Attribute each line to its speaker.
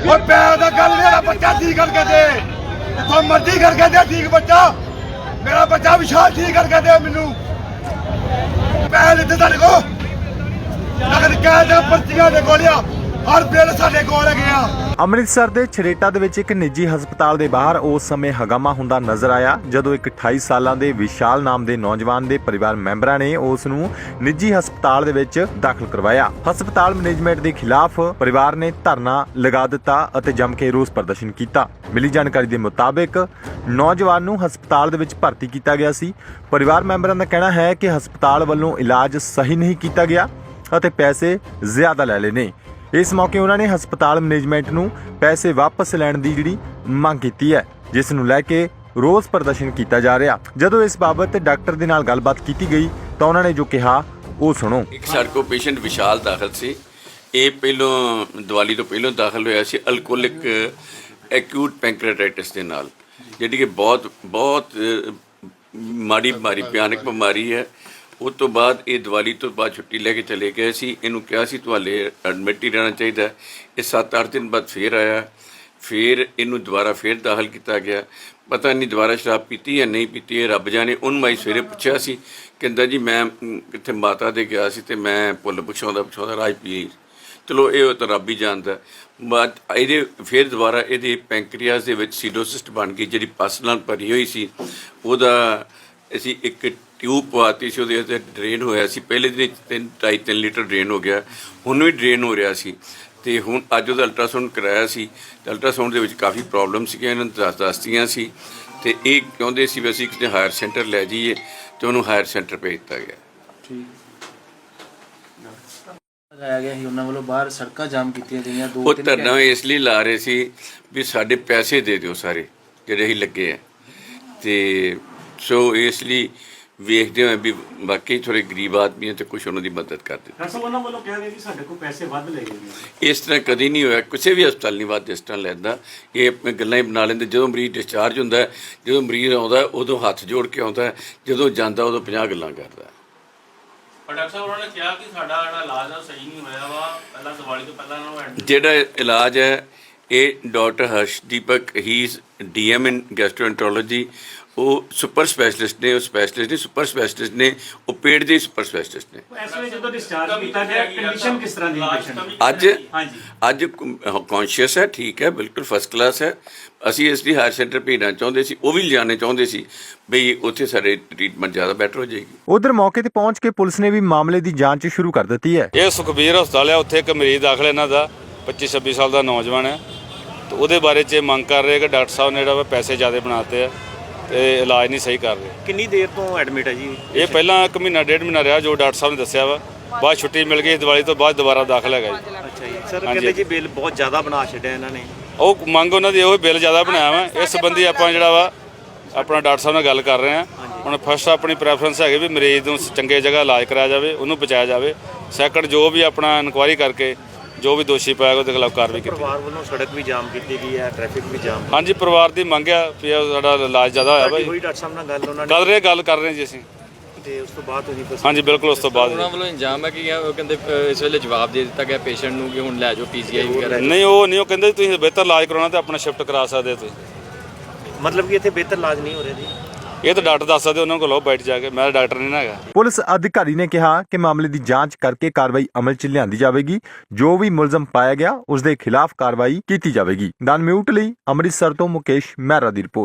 Speaker 1: और पैर दा गल मेरा बच्चा ठीक करके दे, तो मर्जी करके दे ठीक बच्चा, मेरा बच्चा विशाल ठीक करके दे मैनू पैर इतने तेरे को अगर कह दे पर्चियां दे गोलियां हर बिल साडे कोल गया।
Speaker 2: ਅੰਮ੍ਰਿਤਸਰ ਦੇ ਛਰੇਟਾ ਦੇ ਵਿੱਚ ਇੱਕ ਨਿੱਜੀ ਹਸਪਤਾਲ ਦੇ ਬਾਹਰ ਉਸ ਸਮੇਂ ਹੰਗਾਮਾ ਹੁੰਦਾ ਨਜ਼ਰ ਆਇਆ ਜਦੋਂ ਇੱਕ 28 ਸਾਲਾਂ ਦੇ ਵਿਸ਼ਾਲ ਨਾਮ ਦੇ ਨੌਜਵਾਨ ਦੇ ਪਰਿਵਾਰ ਮੈਂਬਰਾਂ ਨੇ ਉਸ ਨੂੰ ਨਿੱਜੀ ਹਸਪਤਾਲ ਦੇ ਵਿੱਚ ਦਾਖਲ ਕਰਵਾਇਆ। ਹਸਪਤਾਲ ਮੈਨੇਜਮੈਂਟ ਦੇ ਖਿਲਾਫ ਪਰਿਵਾਰ ਨੇ ਧਰਨਾ ਲਗਾ ਦਿੱਤਾ ਅਤੇ ਜੰਮ ਕੇ ਰੋਸ ਪ੍ਰਦਰਸ਼ਨ ਕੀਤਾ। ਮਿਲੀ ਜਾਣਕਾਰੀ ਦੇ ਮੁਤਾਬਿਕ ਨੌਜਵਾਨ ਨੂੰ ਹਸਪਤਾਲ ਦੇ ਵਿੱਚ ਭਰਤੀ ਕੀਤਾ ਗਿਆ ਸੀ। ਪਰਿਵਾਰ ਮੈਂਬਰਾਂ ਦਾ ਕਹਿਣਾ ਹੈ ਕਿ ਹਸਪਤਾਲ ਵੱਲੋਂ ਇਲਾਜ ਸਹੀ ਨਹੀਂ ਕੀਤਾ ਗਿਆ ਅਤੇ ਪੈਸੇ ਜ਼ਿਆਦਾ ਲੈ ਲਏ ਨੇ। ਇਸ ਮੌਕੇ ਉਹਨਾਂ ਨੇ ਹਸਪਤਾਲ ਮੈਨੇਜਮੈਂਟ ਨੂੰ ਪੈਸੇ ਵਾਪਸ ਲੈਣ ਦੀ ਜਿਹੜੀ ਮੰਗ ਕੀਤੀ ਹੈ, ਜਿਸ ਨੂੰ ਲੈ ਕੇ ਰੋਸ ਪ੍ਰਦਰਸ਼ਨ ਕੀਤਾ ਜਾ ਰਿਹਾ। ਜਦੋਂ ਇਸ ਬਾਬਤ ਡਾਕਟਰ ਦੇ ਨਾਲ ਗੱਲਬਾਤ ਕੀਤੀ ਗਈ ਤਾਂ ਉਹਨਾਂ ਨੇ ਜੋ ਕਿਹਾ ਉਹ ਸੁਣੋ।
Speaker 3: ਇੱਕ ਸਾਡੇ ਕੋਲ ਪੇਸ਼ੈਂਟ ਵਿਸ਼ਾਲ ਦਾਖਲ ਸੀ। ਇਹ ਪਹਿਲੋਂ ਦੀਵਾਲੀ ਤੋਂ ਪਹਿਲੋਂ ਦਾਖਲ ਹੋਇਆ ਸੀ ਅਲਕੋਹਲਿਕ ਐਕਿਊਟ ਪੈਂਕ੍ਰੀਆਟਾਈਟਿਸ ਦੇ ਨਾਲ, ਜਿਹੜੀ ਕਿ ਬਹੁਤ ਮਾੜੀ ਬਿਮਾਰੀ, ਭਿਆਨਕ ਬਿਮਾਰੀ ਹੈ। ਉਸ ਤੋਂ ਬਾਅਦ ਇਹ ਦੀਵਾਲੀ ਤੋਂ ਬਾਅਦ ਛੁੱਟੀ ਲੈ ਕੇ ਚਲੇ ਗਏ ਸੀ। ਇਹਨੂੰ ਕਿਹਾ ਸੀ ਤੁਹਾਡੇ ਐਡਮਿਟ ਹੀ ਰਹਿਣਾ ਚਾਹੀਦਾ। ਇਹ 7-8 ਦਿਨ ਬਾਅਦ ਫੇਰ ਆਇਆ, ਫਿਰ ਇਹਨੂੰ ਦੁਬਾਰਾ ਫੇਰ ਦਾਖਲ ਕੀਤਾ ਗਿਆ। ਪਤਾ ਨਹੀਂ ਦੁਬਾਰਾ ਸ਼ਰਾਬ ਪੀਤੀ ਜਾਂ ਨਹੀਂ ਪੀਤੀ, ਇਹ ਰੱਬ ਜਾਣੇ। ਉਹਨੂੰ ਮੈਂ ਸਵੇਰੇ ਪੁੱਛਿਆ ਸੀ, ਕਹਿੰਦਾ ਜੀ ਮੈਂ ਕਿੱਥੇ ਮਾਤਾ ਦੇ ਗਿਆ ਸੀ ਅਤੇ ਮੈਂ ਭੁੱਲ ਪੁੱਛਾਉਂਦਾ ਰਾਜ ਪੀ। ਚਲੋ ਇਹ ਤਾਂ ਰੱਬ ਹੀ ਜਾਣਦਾ। ਬਾਅਦ ਇਹਦੇ ਫਿਰ ਦੁਬਾਰਾ ਇਹਦੇ ਪੈਂਕਰੀਆਸ ਦੇ ਵਿੱਚ ਸੀਡੋਸਿਸਟ ਬਣ ਗਈ, ਜਿਹੜੀ ਪਸ ਨਾਲ ਭਰੀ ਹੋਈ ਸੀ। ਉਹਦਾ ਅਸੀਂ ਇੱਕ ਟਿਊਬ ਪਵਾਤੀ ਸੀ, ਉਹਦੇ ਉੱਤੇ ਡਰੇਨ ਹੋਇਆ ਸੀ। ਪਹਿਲੇ ਦਿਨ 2.5-3 ਲੀਟਰ ਡਰੇਨ ਹੋ ਗਿਆ, ਹੁਣ ਵੀ ਡਰੇਨ ਹੋ ਰਿਹਾ ਸੀ। ਅਤੇ ਹੁਣ ਅੱਜ ਉਹਦਾ ਅਲਟਰਾਸਾਊਂਡ ਕਰਾਇਆ ਸੀ ਅਤੇ ਅਲਟਰਾਸਾਊਂਡ ਦੇ ਵਿੱਚ ਕਾਫੀ ਪ੍ਰੋਬਲਮ ਸੀਗੀਆਂ, ਇਹਨਾਂ ਨੂੰ ਦੱਸਦੀਆਂ ਸੀ। ਅਤੇ ਇਹ ਚਾਹੁੰਦੇ ਸੀ ਵੀ ਅਸੀਂ ਕਿਤੇ ਹਾਇਰ ਸੈਂਟਰ ਲੈ ਜਾਈਏ, ਅਤੇ ਉਹਨੂੰ ਹਾਇਰ ਸੈਂਟਰ ਭੇਜ ਦਿੱਤਾ ਗਿਆ।
Speaker 4: ਲਗਾਇਆ ਗਿਆ ਸੀ ਉਹਨਾਂ ਵੱਲੋਂ, ਬਾਹਰ ਸੜਕਾਂ ਜਾਮ ਕੀਤੀਆਂ ਗਈਆਂ।
Speaker 3: ਉਹ ਧਰਨਾ ਇਸ ਲਈ ਲਾ ਰਹੇ ਸੀ ਵੀ ਸਾਡੇ ਪੈਸੇ ਦੇ ਦਿਓ ਸਾਰੇ ਜਿਹੜੇ ਅਸੀਂ ਲੱਗੇ ਆ। ਅਤੇ ਸੋ ਇਸ ਲਈ ਵੇਖਦੇ ਹੋਏ ਵੀ ਬਾਕੀ ਥੋੜ੍ਹੇ ਗਰੀਬ ਆਦਮੀ ਅਤੇ ਕੁਛ ਉਹਨਾਂ ਦੀ ਮਦਦ ਕਰ ਦਿੱਤੀ।
Speaker 5: ਡਾਕਟਰ ਸਾਹਿਬ ਉਹਨਾਂ ਵੱਲੋਂ ਕਿਹਾ ਗਿਆ ਕਿ ਸਾਡੇ ਕੋਲ ਪੈਸੇ ਵੱਧ ਲੈ ਗਏ।
Speaker 3: ਇਸ ਤਰ੍ਹਾਂ ਕਦੀ ਨਹੀਂ ਹੋਇਆ, ਕਿਸੇ ਵੀ ਹਸਪਤਾਲ ਨਹੀਂ ਵੱਧ ਇਸ ਤਰ੍ਹਾਂ ਲੈਂਦਾ। ਇਹ ਆਪਣੇ ਗੱਲਾਂ ਹੀ ਬਣਾ ਲੈਂਦੇ। ਜਦੋਂ ਮਰੀਜ਼ ਡਿਸਚਾਰਜ ਹੁੰਦਾ, ਜਦੋਂ ਮਰੀਜ਼ ਆਉਂਦਾ ਉਦੋਂ ਹੱਥ ਜੋੜ ਕੇ ਆਉਂਦਾ, ਜਦੋਂ ਜਾਂਦਾ ਉਦੋਂ 50 ਗੱਲਾਂ ਕਰਦਾ।
Speaker 6: ਪਰ ਡਾਕਟਰ ਸਾਹਿਬ ਉਹਨਾਂ ਨੇ ਕਿਹਾ ਕਿ ਸਾਡਾ ਜਿਹੜਾ ਇਲਾਜ ਆ ਸਹੀ ਨਹੀਂ ਹੋਇਆ ਵਾ, ਪਹਿਲਾਂ ਦੀਵਾਲੀ ਤੋਂ ਪਹਿਲਾਂ ਇਹਨਾਂ ਨੂੰ ਐਡਮਿਟ।
Speaker 3: ਜਿਹੜਾ ਇਲਾਜ ਹੈ ਇਹ doctor Harshdeepak, he is DM in gastroenterology. ਉਹ ਸੁਪਰ ਸਪੈਸ਼ਲਿਸਟ ਨੇ, ਉਹ ਸਪੈਸ਼ਲਿਸਟ ਨੇ, ਸੁਪਰ ਸਪੈਸ਼ਲਿਸਟ ਨੇ, ਉਹ ਪੇਟ ਦੇ ਸੁਪਰ ਸਪੈਸ਼ਲਿਸਟ ਨੇ।
Speaker 5: ਇਸ ਵੇਲੇ ਜਦੋਂ ਡਿਸਚਾਰਜ ਕੀਤਾ ਗਿਆ, ਕੰਡੀਸ਼ਨ ਕਿਸ ਤਰ੍ਹਾਂ ਦੀ ਪੇਸ਼ੈਂਟ?
Speaker 3: ਅੱਜ ਕੌਨਸ਼ੀਅਸ ਹੈ, ਠੀਕ ਹੈ, ਬਿਲਕੁਲ ਫਸਟ ਕਲਾਸ ਹੈ। ਅਸੀਂ ਇਸ ਲਈ ਹਾਇਰ ਸੈਂਟਰ ਭੇਜਣਾ ਚਾਹੁੰਦੇ ਸੀ, ਉਹ ਵੀ ਲਿਜਾਣੇ ਚਾਹੁੰਦੇ ਸੀ ਬਈ ਉੱਥੇ ਸਾਡੇ ਟ੍ਰੀਟਮੈਂਟ ਜ਼ਿਆਦਾ ਬੈਟਰ ਹੋ ਜਾਏਗੀ।
Speaker 2: ਉਧਰ ਮੌਕੇ ਤੇ ਪਹੁੰਚ ਕੇ ਪੁਲਿਸ ਨੇ ਵੀ ਮਾਮਲੇ ਦੀ ਜਾਂਚ ਸ਼ੁਰੂ ਕਰ ਦਿੱਤੀ ਹੈ।
Speaker 7: ਇਹ ਸੁਖਬੀਰ ਹਸਪਤਾਲ ਹੈ, ਉੱਥੇ ਇੱਕ ਮਰੀਜ਼ ਦਾਖਲ ਇਹਨਾਂ ਦਾ 25-26 ਸਾਲ ਦਾ ਨੌਜਵਾਨ ਹੈ। ਤੇ ਉਹਦੇ ਬਾਰੇ 'ਚ ਮੰਗ ਕਰ ਰਹੇ ਕਿ ਡਾਕਟਰ ਸਾਹਿਬ ਨੇ ਜਿਹੜਾ ਪੈਸੇ ਜ਼ਿਆਦਾ ਬਣਾਤੇ ਆ ਤੇ ਇਲਾਜ ਨਹੀਂ ਸਹੀ ਕਰ ਰਹੇ।
Speaker 5: ਕਿੰਨੀ ਦੇਰ ਤੋਂ ਐਡਮਿਟ ਹੈ ਜੀ
Speaker 7: ਇਹ ਪਹਿਲਾਂ 1 ਮਹੀਨਾ 1.5 ਮਹੀਨਾ ਰਿਹਾ, ਜੋ ਡਾਕਟਰ ਸਾਹਿਬ ਨੇ ਦੱਸਿਆ ਵਾ। ਬਾਅਦ ਛੁੱਟੀ ਮਿਲ ਗਈ, ਦੀਵਾਲੀ ਤੋਂ ਬਾਅਦ ਦੁਬਾਰਾ ਦਾਖਲ ਹੈਗਾ ਜੀ।
Speaker 5: ਅੱਛਾ ਜੀ ਸਰ, ਕਹਿੰਦੇ ਜੀ ਬਿੱਲ ਬਹੁਤ ਜ਼ਿਆਦਾ ਬਣਾ ਛੱਡਿਆ ਇਹਨਾਂ ਨੇ।
Speaker 7: ਉਹ ਮੰਗ ਉਹਨਾਂ ਦੀ ਉਹ ਬਿੱਲ ਜ਼ਿਆਦਾ ਬਣਾਇਆ ਵਾ। ਇਸ ਸੰਬੰਧੀ ਆਪਾਂ ਜਿਹੜਾ ਵਾ ਆਪਣਾ ਡਾਕਟਰ ਸਾਹਿਬ ਨਾਲ ਗੱਲ ਕਰ ਰਹੇ ਹਾਂ। ਹੁਣ ਫਸਟ ਆਪਣੀ ਪ੍ਰੈਫਰੈਂਸ ਹੈਗੀ ਵੀ ਮਰੀਜ਼ ਨੂੰ ਚੰਗੇ ਜਗ੍ਹਾ ਇਲਾਜ ਕਰਾਇਆ ਜਾਵੇ, ਉਹਨੂੰ ਬਚਾਇਆ ਜਾਵੇ। ਸੈਕੰਡ ਜੋ ਵੀ ਆਪਣਾ ਇਨਕੁਆਇਰੀ ਕਰਕੇ ਜੋ ਵੀ ਦੋਸ਼ੀ ਪਾਇਆ ਉਹਦੇ ਖਿਲਾਫ ਕਾਰਵਾਈ ਕੀਤੀ।
Speaker 5: ਪਰਿਵਾਰ ਵੱਲੋਂ ਸੜਕ ਵੀ ਜਾਮ ਕੀਤੀ ਗਈ ਹੈ, ਟ੍ਰੈਫਿਕ ਵੀ ਜਾਮ।
Speaker 7: ਹਾਂਜੀ, ਪਰਿਵਾਰ ਦੀ ਮੰਗ ਆ ਵੀ ਸਾਡਾ ਇਲਾਜ ਜ਼ਿਆਦਾ ਹੋਇਆ ਭਾਈ।
Speaker 5: ਕੋਈ ਡਾਕਟਰ ਸਾਹਿਬ ਨਾਲ ਗੱਲ ਉਹਨਾਂ
Speaker 7: ਗੱਲ ਕਰ ਰਹੇ ਜੀ ਅਸੀਂ।
Speaker 5: ਤੇ ਉਸ ਤੋਂ ਬਾਅਦ ਤੁਸੀਂ
Speaker 7: ਹਾਂਜੀ ਬਿਲਕੁਲ, ਉਸ ਤੋਂ ਬਾਅਦ
Speaker 8: ਉਹਨਾਂ ਵੱਲੋਂ ਇੰਜਾਮ ਹੈ ਕਿ ਉਹ ਕਹਿੰਦੇ ਇਸ ਵੇਲੇ ਜਵਾਬ ਦੇ ਦਿੱਤਾ ਗਿਆ ਪੇਸ਼ੈਂਟ ਨੂੰ ਕਿ ਹੁਣ ਲੈ ਜਾਓ PGI ਵਗੈਰਾ।
Speaker 7: ਨਹੀਂ, ਉਹ ਨਹੀਂ, ਉਹ ਕਹਿੰਦੇ ਤੁਸੀਂ ਬਿਹਤਰ ਇਲਾਜ ਕਰਾਉਣਾ ਤੇ ਆਪਣਾ ਸ਼ਿਫਟ ਕਰਾ ਸਕਦੇ ਹੋ ਤੁਸੀਂ।
Speaker 5: ਮਤਲਬ ਕਿ ਇੱਥੇ ਬਿਹਤਰ ਇਲਾਜ ਨਹੀਂ ਹੋ ਰਿਹਾ ਜੀ?
Speaker 7: ਇਹ ਤਾਂ ਡਾਕਟਰ ਦੱਸ ਸਕਦੇ, ਉਹਨਾਂ ਕੋਲ ਲਓ ਬੈਠ ਜਾ ਕੇ। ਮੈਂ ਡਾਕਟਰ ਨਹੀਂ ਨਾ ਹੈਗਾ।
Speaker 2: ਪੁਲਿਸ ਅਧਿਕਾਰੀ ਨੇ ਕਿਹਾ ਕਿ ਮਾਮਲੇ ਦੀ ਜਾਂਚ ਕਰਕੇ ਕਾਰਵਾਈ ਅਮਲ 'ਚ ਲਿਆਂਦੀ ਜਾਵੇਗੀ। ਜੋ ਵੀ ਮੁਲਜ਼ਮ ਪਾਇਆ ਗਿਆ ਉਸ ਦੇ ਖਿਲਾਫ ਕਾਰਵਾਈ ਕੀਤੀ ਜਾਵੇਗੀ। ਦਨ ਮਿਊਟ ਲਈ ਅੰਮ੍ਰਿਤਸਰ ਤੋਂ ਮੁਕੇਸ਼ ਮਹਿਰਾ ਦੀ ਰਿਪੋਰਟ।